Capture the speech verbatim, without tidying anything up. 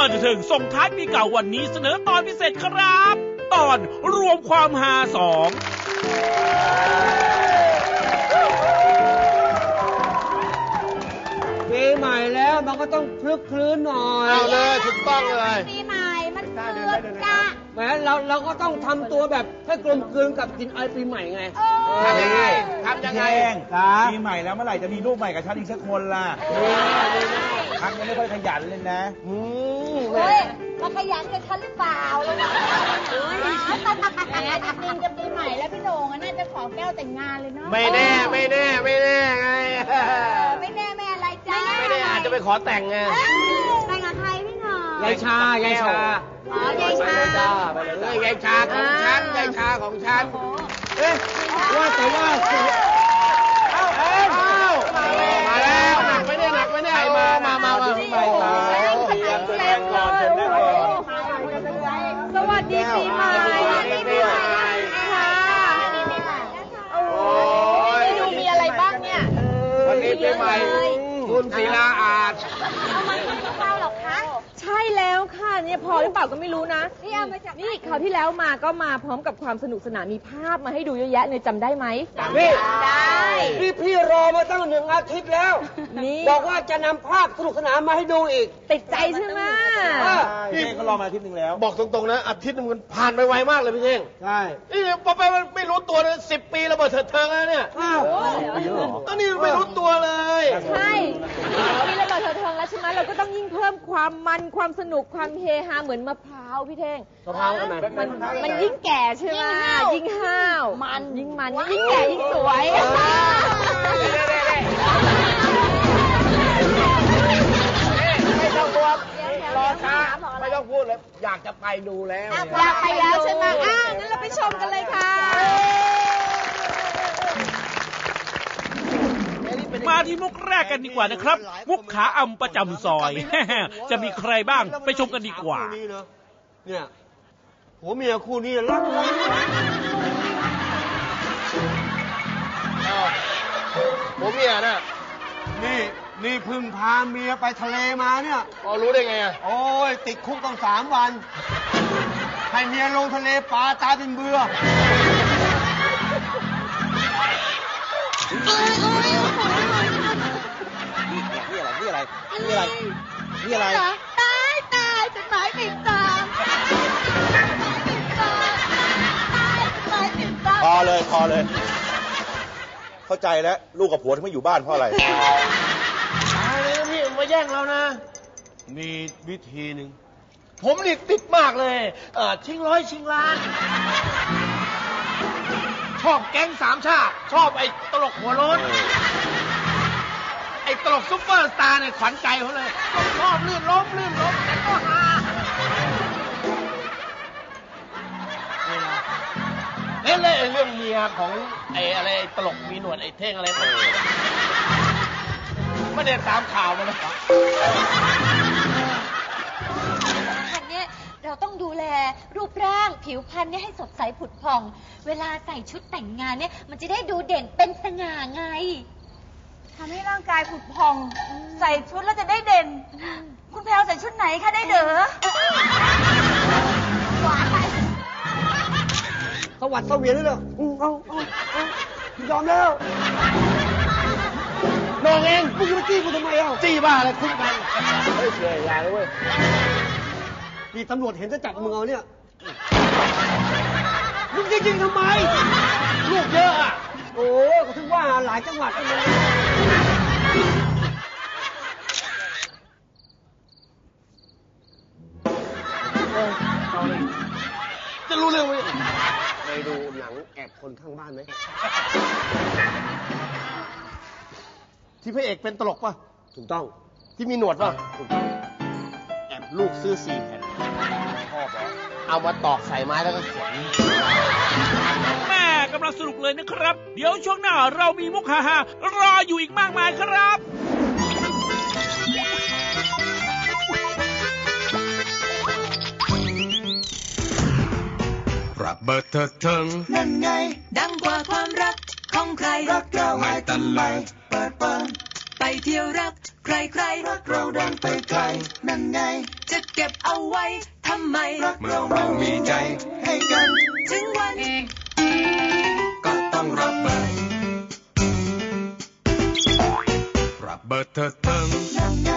บันเทิงส่งท้ายปีเก่าวันนี้เสนอตอนพิเศษครับตอนรวมความฮาสองปีใหม่แล้วมันก็ต้องคลึกคลื้นหน่อยเอาเลยถูกต้องเลยปีใหม่มันเกือบจะแหมเราเราก็ต้องทำตัวแบบให้กลมกลืนกับกินไอปีใหม่ไงทำยังไงทำยังไงปีใหม่แล้วเมื่อไหร่จะมีลูกใหม่กับฉันอีกสักคนล่ะพักยังไม่ค่อยขยันเลยนะเฮ้ยมาขยันกับฉันหรือเปล่าเลยนะแหมจริงจะปีใหม่แล้วพี่โหน่งน่าจะขอแก้วแต่งงานเลยเนาะไม่แน่ไม่แน่ไม่แน่ไงไม่แน่ไม่อะไรจ้าไม่แน่อาจจะไปขอแต่งไงแต่งกับใครพี่หน่องยายชายายชาอ๋อยายชาไปเลยยายชาของฉันยายชาของฉันเอ๊ะว่าแต่ว่าเอ้าเอ้ามาแล้วหนักไม่ได้หนักไม่ได้มามามามาปีใหม่มาเตรียมแสดงก่อนเชิญนั่งก่อนสวัสดีปีใหม่ปีใหม่ค่ะโอ้ยดูมีอะไรบ้างเนี่ยวันนี้ปีใหม่คุณศิลาอาจเอามากินข้าวหรอคะใช่แล้วค่ะเนี่ยพอหรือเปล่าก็ไม่รู้นะนี่เอามาจากนี่คราวที่แล้วมาก็มาพร้อมกับความสนุกสนานมีภาพมาให้ดูเยอะแยะเลยจำได้ไหมนี่ได้พี่พี่รอมาตั้งหนึ่งอาทิตย์แล้วนี่บอกว่าจะนำภาพสนุกสนานมาให้ดูอีกติดใจใช่ไหมพี่เท่งก็รอมาอาทิตย์นึงแล้วบอกตรงๆนะอาทิตย์นึงมันผ่านไปไวมากเลยพี่เท่งใช่นี่พอไปไม่รู้ตัวเลยสิบปีระเบิดเถิดเทิงแล้วเนี่ยอ้าวตอนนี้ไม่รู้ตัวเลยใช่มีระเบิดเถิดเทิงแล้วใช่ไหมเราก็ต้องยิ่งเพิ่มความมันความสนุกความเฮฮาเหมือนมะพร้าวพี่เท่งมะพร้าวทำไมมันมันยิ่งแก่ใช่ไหมยิ่งห้าวมันยิ่งมันยิ่งแก่ยิ่งสวยไม่ต้องกลัวรอช้าไม่ต้องพูดเลยอยากจะไปดูแล้วอยากไปแล้วใช่ไหมอ้าวงั้นเราไปชมกันเลยค่ะมาที่มุกแรกกันดีกว่านะครับมุกขาอำประจำซอยจะมีใครบ้างไปชมกันดีกว่าเนี่ยผัวเมียคู่นี้รักกันผัวเมียน่ะนี่นี่พึ่งพาเมียไปทะเลมาเนี่ยอ๋อรู้ได้ไงอ่ะโอ้ยติดคุกต้องสามวันให้เมียลงทะเลปลาตายเป็นเบื่อนี่อะไรนี่อะไรนี่อะไรนี่อะไรตายตายจดหมายติดตามพอเลยพอเลยเข้าใจแล้วลูกกับผัวที่ไม่อยู่บ้านเพราะอะไรตายเลยนะพี่มาแย่งเรานะมีวิธีหนึ่งผมนี่ติดมากเลยเออชิงร้อยชิงล้านชอบแก๊งสามชาติชอบไอ้ตลกหัวโล้นไอ้ตลกซุปเปอร์สตาร์เนี่ยขวัญใจเขาเลยชอบลื่นล้มลื่นล้มแต่ก็ฮาเล่นเลยเรื่องเมียของไอ้อะไรตลกมีหนวดไอ้เท่งอะไรมันไม่ได้ตามข่าวมาเลยอันนี้เราต้องดูแลรูปร่างผิวพรรณเนี่ยให้สดใสผุดผ่องเวลาใส่ชุดแต่งงานเนี่ยมันจะได้ดูเด่นเป็นสง่าไงทำให้ร่างกายผุดผ่องใส่ชุดแล้วจะได้เด่นคุณแพลวใส่ชุดไหนคะได้เด้อหวานไปสวัสดิ์เสวียนนี่เลยเอาเอาเอายอมแล้วน้องเองมึงจะมาจี้กูทำไมอ่ะจี้บ้าอะไรคุ้มกันเฮ้ยเฉยอย่าเลยเว้ยนี่ตำรวจเห็นจะจับมึงเอาเนี่ยมึงจะยิงทำไมลูกเยอะอ่ะโอ้ก็ถึงว่าหลายจังหวัดเลยจะรู้เรื่องไหมเคยดูหนังแอบคนข้างบ้านไหมที่พระเอกเป็นตลกป่ะถูกต้องที่มีหนวดป่ะถูกต้องแอบลูกซื้อสี่แผ่นชอบเหรอเอามาตอกใส่ไม้แล้วก็เขียนแม่กำลังสนุกเลยนะครับเดี๋ยวช่วงหน้าเรามีมุกฮาๆรออยู่อีกมากมายครับระเบิดเถิดเทิงนั่นไงดังกว่าความรักของใครรักเราให้ตลอดเปิดเปิดไปเที่ยวรักใครใครรักเราเดินไปไกลนั่นไงจะเก็บเอาไว้ทำไมรักเรามันมีใจให้กันถึงวันก็ต้องระเบิดระเบิดเถิดเทิงนั่นไง